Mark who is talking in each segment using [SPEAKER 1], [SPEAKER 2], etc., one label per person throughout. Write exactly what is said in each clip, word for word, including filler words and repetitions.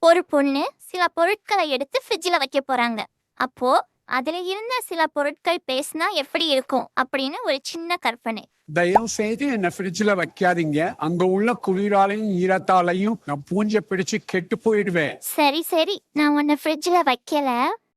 [SPEAKER 1] ஒரு பொண்ணு சில பொருட்களை எடுத்து ஃப்ரிட்ஜில் வைக்க போறாங்க. அப்போ அதுல இருந்த சில பொருட்கள் பேசினா எப்படி இருக்கும் அப்படின்னு ஒரு சின்ன கற்பனை.
[SPEAKER 2] தயவு செய்து என்ன ஃப்ரிட்ஜில் வைக்காதீங்க. அங்க உள்ள குளிராலையும் ஈரத்தாலையும் நான் பூஞ்சை பிடிச்சு கெட்டு போயிடுவேன்.
[SPEAKER 1] சரி சரி, நான் உன்னை ஃப்ரிட்ஜில் வைக்கல.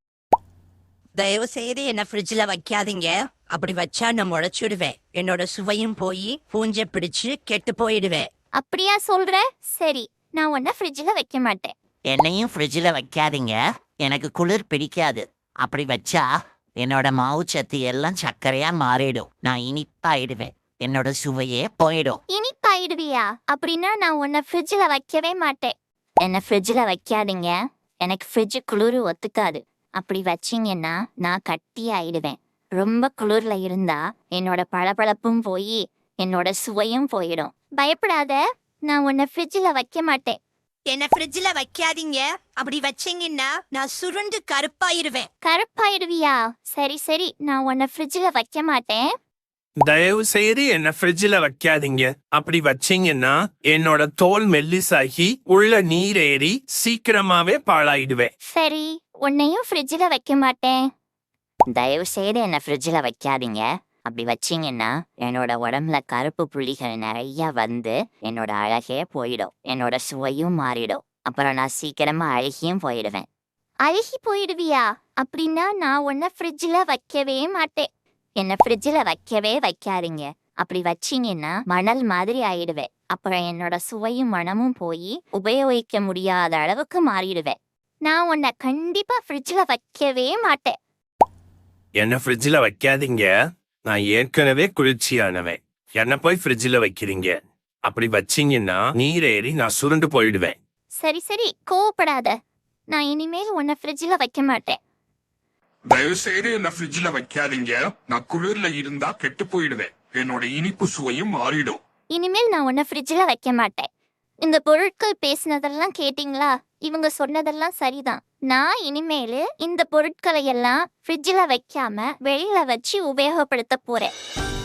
[SPEAKER 3] தயவு செய்து என்ன ஃப்ரிட்ஜ்ல வைக்காதீங்க. அப்படி வச்சா நான் முளைச்சுடுவேன். என்னோட சுவையும் போய் பூஞ்சை பிடிச்சு கெட்டு போயிடுவேன்.
[SPEAKER 1] அப்படியா சொல்ற? சரி, நான் உன்னை ஃப்ரிட்ஜில் வைக்க மாட்டேன்.
[SPEAKER 4] என்னையும் ஃப்ரிட்ஜில் வைக்காதீங்க. எனக்கு குளிர் பிடிக்காது. அப்படி வச்சா என்னோட மாவு சத்து எல்லாம் சர்க்கரையா மாறிடும். நான் இனிப்பாயிடுவேன். என்னோட சுவையே போயிடும்.
[SPEAKER 1] இனிப்பாயிடுவியா? அப்படின்னா நான் உன்னை ஃப்ரிட்ஜில் வைக்கவே மாட்டேன். என்னை ஃப்ரிட்ஜில் வைக்காதீங்க. எனக்கு ஃப்ரிட்ஜு குளிர் ஒத்துக்காது. அப்படி வச்சிங்கன்னா நான் கட்டி ஆயிடுவேன். ரொம்ப குளிர்ல இருந்தா என்னோட பளபளப்பும் போய் என்னோட சுவையும் போயிடும். பயப்படாத, நான் உன்னை ஃப்ரிட்ஜில் வைக்க மாட்டேன்.
[SPEAKER 3] என்ன ஃப்ரிட்ஜ்ல வைக்காதீங்க. அப்படி வச்சீங்கன்னா நான் சுருண்டு கருப்பாயிருவேன்.
[SPEAKER 1] கருப்பாயிடுவியா? சரி சரி, நான் உன்னை ஃப்ரிட்ஜில் வைக்க மாட்டேன்.
[SPEAKER 5] தயவு செய்து என்ன ஃப்ரிட்ஜ்ல வைக்காதீங்க. அப்படி வச்சீங்கன்னா என்னோட தோல் மெல்லிசாகி உள்ள நீர் ஏறி சீக்கிரமாவே பாழாயிடுவேன்.
[SPEAKER 1] சரி, உன்னையும் ஃப்ரிட்ஜில் வைக்க மாட்டேன். தயவு செய்து என்னை ஃப்ரிட்ஜில் வைக்காதீங்க. அப்படி வச்சிங்கன்னா என்னோட உடம்புல கருப்பு புள்ளிகள் நிறைய வந்து என்னோட அழகே போயிடும். என்னோட சுவையும் மாறிடும். அப்புறம் நான் சீக்கிரமா அழுகியும் போயிடுவேன். அழுகி போயிடுவியா? அப்படின்னா நான் உன்னை ஃப்ரிட்ஜில் வைக்கவே மாட்டேன். என்னை ஃப்ரிட்ஜில் வைக்கவே வைக்காதீங்க. அப்படி வச்சிங்கன்னா மணல் மாதிரி ஆயிடுவேன். அப்புறம் என்னோட சுவையும் மனமும் போய் உபயோகிக்க முடியாத அளவுக்கு மாறிடுவேன். நான் உன்னை கண்டிப்பா ஃப்ரிட்ஜில் வைக்கவே மாட்டேன்.
[SPEAKER 5] என்ன ஃப்ரிட்ஜ்ல வைக்காதீங்க. நான் ஏற்கனவே குளிர்ச்சியானவன். என்ன போய் ஃப்ரிட்ஜ்ல வைக்கிறீங்க. அப்படி வச்சீங்கன்னா நீர் ஏறி நான் சுருண்டு போயிடுவேன்.
[SPEAKER 1] சரி சரி, கோவப்படாத. நான் இனிமேல் உன்னை ஃப்ரிட்ஜில் வைக்க மாட்டேன்.
[SPEAKER 6] தயவு செய்து என்ன ஃப்ரிட்ஜ்ல வைக்காதீங்க. நான் குளிர்ல இருந்தா கெட்டு போயிடுவேன். என்னோட இனிப்பு சுவையும் மாறிடும்.
[SPEAKER 1] இனிமேல் நான் உன்னை ஃப்ரிட்ஜில் வைக்க மாட்டேன். இந்த பொருட்கள் பேசினதெல்லாம் கேட்டிங்களா? இவங்க சொன்னதெல்லாம் சரிதான். நான் இனிமேல் இந்த பொருட்களை எல்லாம் ஃப்ரிட்ஜில் வைக்காம வெளியில வச்சு உபயோகப்படுத்த போறேன்.